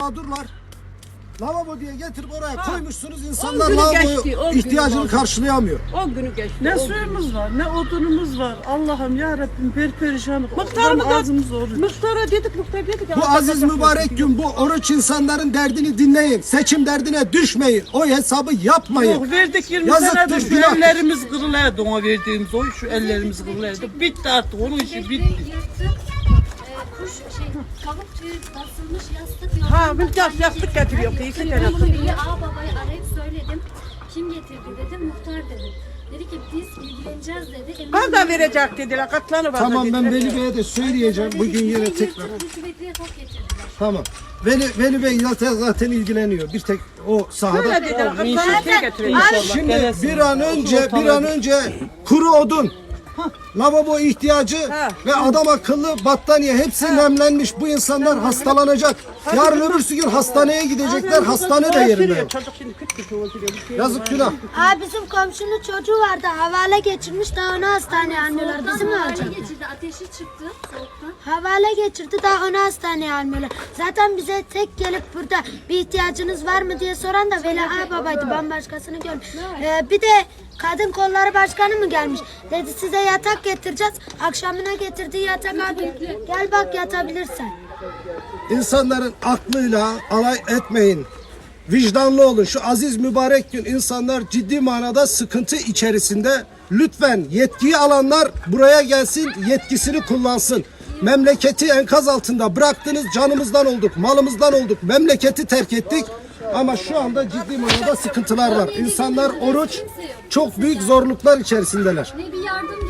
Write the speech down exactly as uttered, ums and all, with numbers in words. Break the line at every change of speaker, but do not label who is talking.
mağdurlar. Lavabo diye getirip oraya ha. koymuşsunuz. İnsanlar
günü
lavaboyu
geçti, on
ihtiyacını
günü
karşılayamıyor.
on günü geçti.
Ne
on
suyumuz
günü.
var, ne odunumuz var. Allah'ım ya Rabbim perperişanlık.
Muhtarımı da
ağzımız oruç.
muhtara dedik, muhtar dedik.
Bu aziz mübarek gün, bu oruç insanların derdini dinleyin. Seçim derdine düşmeyin. O hesabı yapmayın.
Yok verdik yirmi
Yazıktır,
senedir şu
günahtır.
ellerimiz kırılaydı ona verdiğimiz oy, şu ellerimiz kırılaydı. Bitti artık, onun işi bitti.
Kuş şey, tavuk tüyü basılmış yastık yok.
Ha, bir yastık, yastık getiriyor. İki
Ben
tane.
bunu bir ağababayı arayıp söyledim. Kim getirdi dedim, muhtar dedim. Dedi ki biz ilgileneceğiz dedi. Emin
Kan da verecek dediler, katlanı var.
Tamam, ben
dediler.
Veli Bey'e de söyleyeceğim. Bugün yine tekrar.
Rüşvetliye top getirdiler.
Tamam. Veli, Veli Bey zaten, zaten ilgileniyor. Bir tek o sahada.
Öyle dediler, katlanı şey getiriyor.
Şimdi bir an önce bir an önce kuru odun, lavabo ihtiyacı
Ha.
ve adam akıllı battaniye hepsi nemlenmiş. Bu insanlar hastalanacak. Yarın öbürsü gün hastaneye gidecekler. Hastane de yerinde yok.
Çocuk şimdi küt küt oturuyor. bir şey yok.
Yazık günah.
Aa, bizim komşunun çocuğu vardı, havale geçirmiş, daha onu hastaneye almıyorlar. Bizim
Havale
olacak.
geçirdi, ateşi çıktı soğuktan.
Havale geçirdi, daha onu hastaneye almıyorlar. Zaten bize tek gelip burada bir ihtiyacınız var mı diye soran da Veli Ağababaydı, ben başkasını görmedim. Ee, bir de kadın kolları başkanı mı gelmiş? Dedi size yatak getireceğiz. Akşamına getirdiği yatak abi, gel bak yatabilirsen.
İnsanların aklıyla alay etmeyin. Vicdanlı olun. Şu aziz mübarek gün insanlar ciddi manada sıkıntı içerisinde. Lütfen yetkiyi alanlar buraya gelsin, yetkisini kullansın. Memleketi enkaz altında bıraktınız, canımızdan olduk, malımızdan olduk, memleketi terk ettik. Ama şu anda ciddi manada sıkıntılar var. İnsanlar oruç, çok büyük zorluklar içerisindeler.
Ne bir yardım